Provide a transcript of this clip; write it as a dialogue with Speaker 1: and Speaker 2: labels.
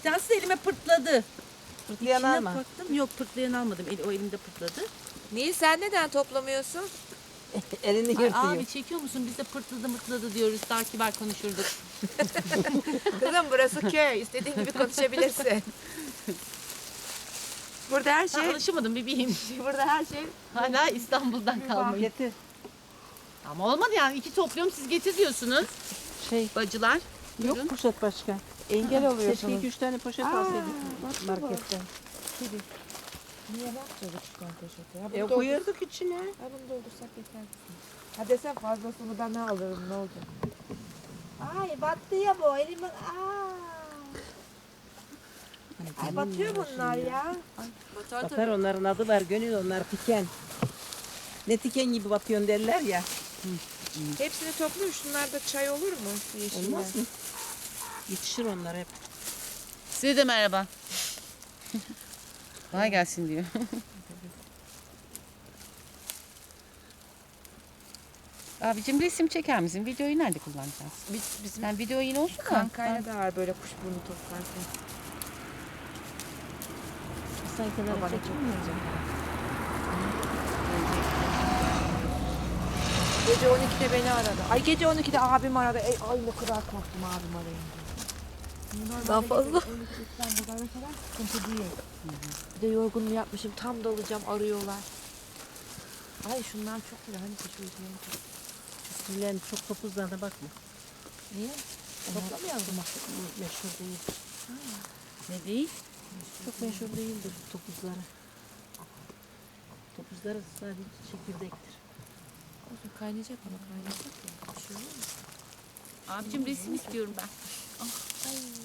Speaker 1: tanesi de elime pırtladı.
Speaker 2: Fırtlayan
Speaker 1: İçine
Speaker 2: alma.
Speaker 1: baktım. Yok pırtlayan almadım. O elimde pırtladı.
Speaker 3: Nil sen neden toplamıyorsun?
Speaker 2: Elini
Speaker 1: Ay,
Speaker 2: yırtıyor.
Speaker 1: abi çekiyor musun? Biz de pırtladı mırtladı diyoruz. Daha kibar konuşurduk.
Speaker 3: Kızım burası köy. İstediğin gibi konuşabilirsin. Burada her
Speaker 1: Sen
Speaker 3: şey,
Speaker 1: alışamadım bebeğim.
Speaker 3: burada her şey
Speaker 1: Hala İstanbul'dan kalmayı.
Speaker 2: Getir.
Speaker 1: Ama olmadı yani. 2 topluyorum siz getir diyorsunuz.
Speaker 2: Şey,
Speaker 1: Bacılar.
Speaker 2: yok poşet başka.
Speaker 3: engel
Speaker 2: Keşke
Speaker 3: oluyorsunuz.
Speaker 2: 2-3 tane poşet alsaydık marketten.
Speaker 3: Niye bakacağız üç tane poşete? Ya
Speaker 2: Koyuyorduk içine.
Speaker 3: Ha bunu doldursak yeter. Ha desem fazlasını ben alırım ne olacak? Ay battı ya bu elime. Ay batıyor bunlar ya.
Speaker 2: Batar onların adı var gönül onlar tiken. Ne tiken gibi batıyorsun derler ya.
Speaker 3: Hepsini topluyor. Şunlarda çay olur mu? Yeşiller.
Speaker 2: Olmaz mı? Yetişir onlar hep.
Speaker 1: Size de merhaba. Kolay gelsin diyor. Abicim resim çeker misin? Videoyu nerede kullanacağız?
Speaker 3: Bizim
Speaker 1: Sen video yine olsun da.
Speaker 3: kankayla da var böyle kuşburnu toplarken.
Speaker 2: Sen kenara
Speaker 3: Babana
Speaker 2: çek.
Speaker 3: çok Gece 12'de beni aradı. Ay gece 12'de abim aradı. Ay ne kadar korktum abim arayınca. Daha fazla. İstanbul'da mesela sıkıntı değil. Bir de yorgunluğu yapmışım. Tam dalacağım arıyorlar. Ay şunlar çok güzel. Hani şu yüzünden çok.
Speaker 2: Bilen çok topuzlarına bakma.
Speaker 3: Niye? Toplamayalım mı?
Speaker 2: Meşhur değil.
Speaker 1: Ne değil?
Speaker 2: Çok meşhur değildir topuzları. Topuzları sadece çekirdektir.
Speaker 3: Olsun kaynayacak ama kaynayacak ya. Bir şey olur mu?
Speaker 1: Abicim resim istiyorum ben.
Speaker 3: Ay